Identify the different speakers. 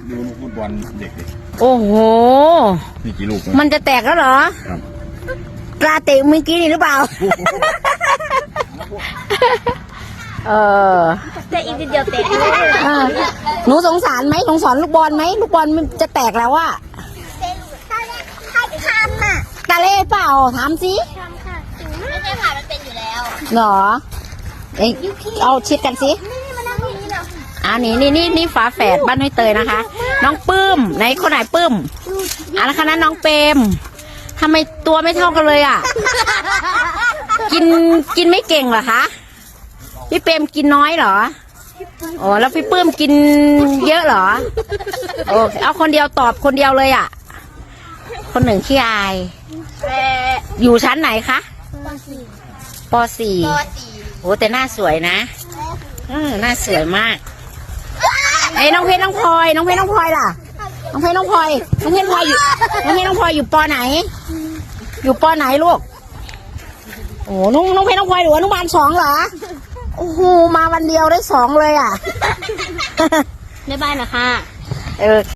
Speaker 1: ดูลูกฟุตบอลเด็กดิ
Speaker 2: โอ้โห
Speaker 1: นี่กี่ลูก
Speaker 2: มันจะแตกแล้วเหรอ
Speaker 1: ครับ
Speaker 2: ปลาเตะเมื่อกี้นี่หรือเปล่า
Speaker 3: แต่อีกนิดเดียวเตะ
Speaker 2: หนูสงสารไหมสงสารลูกบอลไหมลูกบอลมันจะแตกแล้วอะ
Speaker 3: ทำอ่ะ
Speaker 2: ตาเล่เปล่าถามสิ
Speaker 3: ทำค่ะไม่ใช่ค่ะมันเป็นอยู่แล้ว
Speaker 2: เหรอเอ้ยเอาชิดกันสิ
Speaker 3: นี่มานั่งตรงนี้เหรอ
Speaker 2: นี่ฝาแฝดบ้านห้วยเตยนะคะ น้องปื้มไหนคนไหนปื้มนะคะนั้นน้องเปรมทำไมตัวไม่เท่ากันเลยอ่ะ กินไม่เก่งเหรอคะพี่เปรมกินน้อยเหรอโอ้แล้วพี่ปื้มกินเยอะเหรอโอ้เอาคนเดียวตอบคนเดียวเลยอ่ะ คนหนึ่งขี้อายอยู่ชั้นไหนคะป .4 โอ้แต่หน้าสวยนะหน้าสวยมากไอ้น้องเพชรน้องพลอยล่ะน้องเพชรน้องพลอยอยู่ป.ไหน อยู่ป.ไหนลูกโอ้น้องเพชรน้องพลอยอยู่อนุบาล 2เหรอโอ้โหมาวันเดียวได้2เลยอ่ะ
Speaker 3: ในบ้านนะคะ